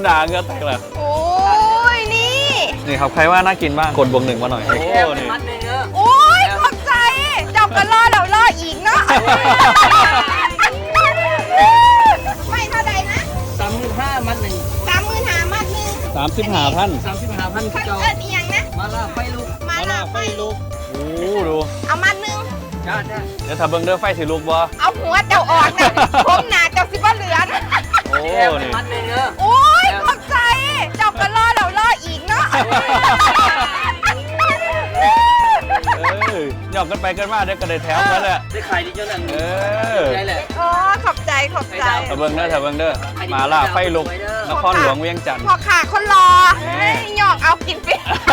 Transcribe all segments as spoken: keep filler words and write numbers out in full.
หนาเงือกแตกเลยโอ้ยนี่นี่ครับใครว่าน่ากินบ้างกดบวกหนึ่งมาหน่อยโอ้นี่โอ้ยขอบใจเจับกันล่อแล้วล่ออีกเนาะไม่เท่าใดนะสามหมื่นห้ามัดหนึ่งสามหมื่นหามัดหนึ่งสามสิบห้าพันสามสิบห้าพันพันเจ้าเอิดอีหยังนะมาล่าไฟลุกมาลาไฟลูกโอ้ดูเอามัดหนึ่งจ้าจ้าเดี๋ยวถ้าเบิ้งเด้อไฟสิลูกบ่เอาหัวเจ้าออกนะผมหนาเจ้าสิบ่เหลือนะโอ้แค่นี่มัดหนึ่งเออโอ้ยขอบใจเจับกันล่อแล้วล่ออีกเนาะเออหยอกกันไปกันมาเดี๋ยวก็ได้แถมกันแหละได้ขายดีจนนั่นเออได้แหละโอ้ขอบใจขอบใจถ้าเบิ้งเด้อถ้าเบิ้งเด้อมาล่าไฟลุกนครหลวงเวียงจันทร์พอขาคนรอเฮ้ยหยอกเอากินไป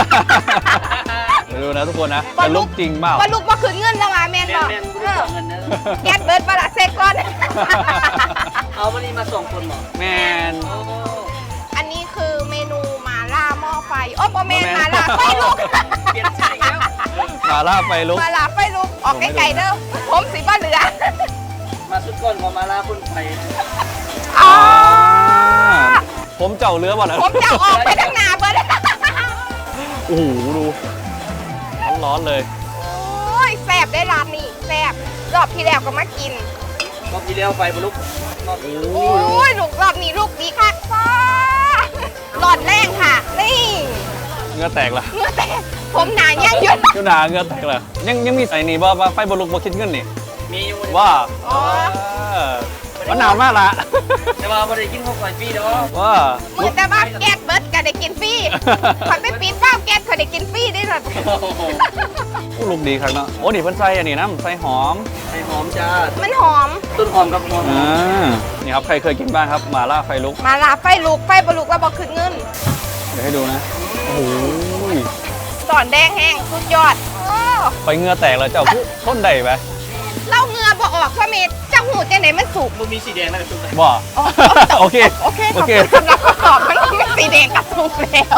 ดูนะทุกคนนะจะลุกจริงเปล่าว่าลูกว่าคืนเงินแล้วมาแมนแม่บอกแม่กูได้สองเงินเนอะแก๊สเบิร์ดปลาเซกก่อนเอาวันนี้มาส่งคนหมอแมนโอ้อันนี้คือเมนูหมาล่าหม้อไฟโอ้โมเมนบ่หแม่มาน ล่าไฟลุกเปลี่ยนชื่ออีกแล้วมาล่าไฟลุกหมาล่าไฟลุกออกไกลๆเด้อผมสีบ้าเหลือมาสุดก้อนของมาล่าคนไทยอ๋อผมเจ้าเรือบ่นะผมจะออกไปทางหน้าเบิร์ดโอ้โหดูร้อนๆเลยโอ้ยแซ่บได้ร้านนี้แซ่บรอบที่แล้วก็มากินรอบที่แล้วไฟบลุกรอบนี้โอ้ยลูกรอบนี้ลูกดีค่ะฟ้าหลอดแรงค่ะ นี่เงือแตกละเมื่อแต่ผมหนายังหยุดยูหนาเงือแตกละยังยังมีใส่นี่บ่ว่าไฟบอลุกบ่คิดเงินนี่มีอยู่ว่าอ๋อเออมันหนาวมากละแต่ว่าไม่ได้กินข้าวไฟฟรีเด้อว่ามือแต่บ้าแก๊สเบิร์ดก็ได้กินฟรีคอยไปปีนบ้าแก๊สคอยได้กินฟรีได้หรอโอ้โหอู้ลูกดีครับเนาะโอ้นี่เพิ่นใส่อันนี้น้ำใส่หอมไข่หอมจ้ามันหอมต้นหอมกับหอมอ่านี่ครับใครเคยกินบ้างครับหมาล่าไฟลุกมาลาไฟลุกไฟบลุกแล้วบอกคืนเงินเดี๋ยวให้ดูนะโอ้โหสอนแดงแห้งสุดยอดโอ้ไฟเงือแตกแล้วเจ้าผู้ทนได้ไหมเล่าเงือบ่ออกพ่อเมธเจ้าหูจังไหนมันสุกมันมีสีแดงนะชุดไหนบ่อ๋อโอเคโอเคขโออบเคคุณสำหรับคำตอบมันสีแดงกับสุกแล้ว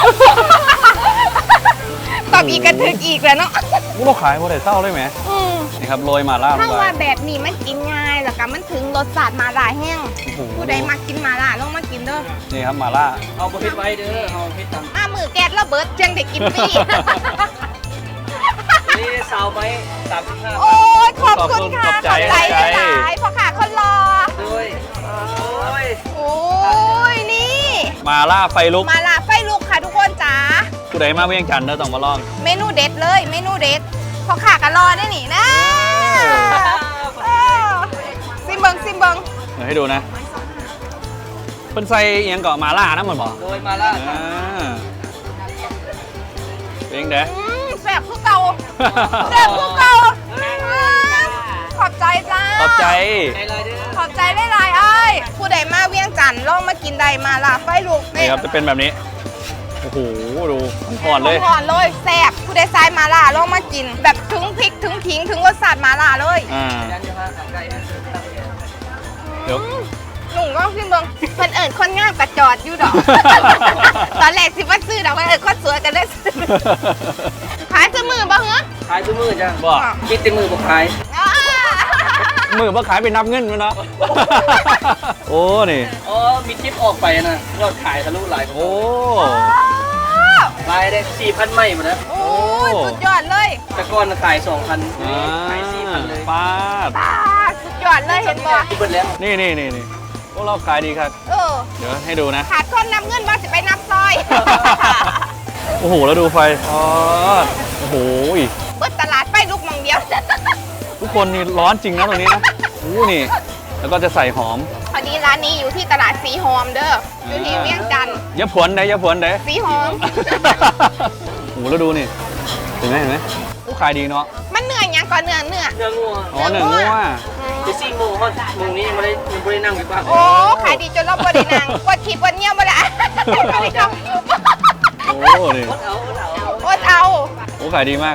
ตอบอีกกระทึกอีกแล้วเนาะกูเราขายบ่ได้เศร้าได้ไหมอืมนี่ครับโรยหมาล่าลงถ้าไปว่าแบบนี้มันกินง่ายแล้วก็มันถึงรสชาติมาลาแห้งโอ้โหผู้ใดมากินมาลาลองมากินเด้อนี่ครับหมาล่าเอาประเภทไว้เด้อเอาประเภทต่ำมามือแก๊สระเบิดจังได้กินฟรีนี่สาวไว้สามสิบห้าโอ้ยขอบคุณค่ะขอบใจหลายๆพ่อขาคนรอด้วยโอ้ยโอ้ยนี่หมาล่าไฟลุกมาลาไฟลุกค่ะทุกคนจ๋าผู้ใดมาเวียงจันทร์เด้อต้องมาลองเมนูเด็ดเลยเมนูเด็ดพ่อขากันรอได้หนินะเออซิมเบิงซิมเบิงเดี๋ยวให้ดูนะเพิ่นใส่เอียงเกาะหมาล่านะเหมือนบอกโดยมาล่าอ่าเป็นยังไงอืมแซ่บคือเก่าแซ่บคือเก่าอืมขอบใจจ้าขอบใจในไลน์เด้อขอบใจหลายๆเอ้ยผู้ใดมาเวียงจันทร์ลองมากินใดมาลาไฟลุกนี่ครับจะเป็นแบบนี้ โอ้โห ดูอ่อนๆเลยหอนเลยแซ่บผู้ใดทรายมาลาลองมากิน แบบถึงพริกถึงขิงถึงรสชาติมาลาเลยอ่ายันจะมาขับไก่นะเดี๋ยวหนุ่มก็ขึ้นเบิงเพิ่นเอิญคนงามกระจอดอยู่ดอก ตอนแรกสิว่าซื้อดอกเพิ่นเอิญคนสวยกันได้ซื้อขายซื้อมือบ่เหรอขายทุกมือจ้ะบ่คิดแต่มือบอกขายอ้ามือมาขายไปนับเงินมั้ยเนาะ โอ้ นี่อ๋อมีคลิปออกไปนะยอดขายทะลุหลายโอ้รายได้สี่พันไม่หมดแล้วโอ้ยสุดยอดเลยแต่ก่อนขายสองพันอ่าขายสี่พันเลยปาดตาสุดยอดเลยเห็นบ่ที่เบิดแล้วนี่นี่นี่นี่พวกเราขายดีครับเออเดี๋ยวให้ดูนะขาดคนนำเงินบ่สิไปนับซอยโอ้โห แล้วดูไฟอ๋อโอ้โหเปิดตลาดไปลูกหมองเดียวทุกคนนี่ร้อนจริงนะตรงนี้นะโอ้นี่ แล้วก็จะใส่หอมพอดีร้านนี้อยู่ที่ตลาดสีหอมเด้ออยู่ที่เวียงจันทร์อย่าผวนได้อย่าผวนได้สีหอมโอ้โหแล้วดูนี่ เห็นไหมเห็นไหมผู้ขายดีเนาะมันเหนื่อยยังก่อนเนื้อเนื้อเนื้องัวอ๋อหนึ่งงัวเจสซี่โมฮอดมึงนี่ยังไม่ได้ยังไม่ได้นั่งอยู่บ้านโอ้ขายดีจนเราบ่ได้นั่งกดขีดกดเงี้ยวบ่ได้บ่ได้จองโอ้นี่อดเอาอดเอาอดเอาโอ้ขายดีมาก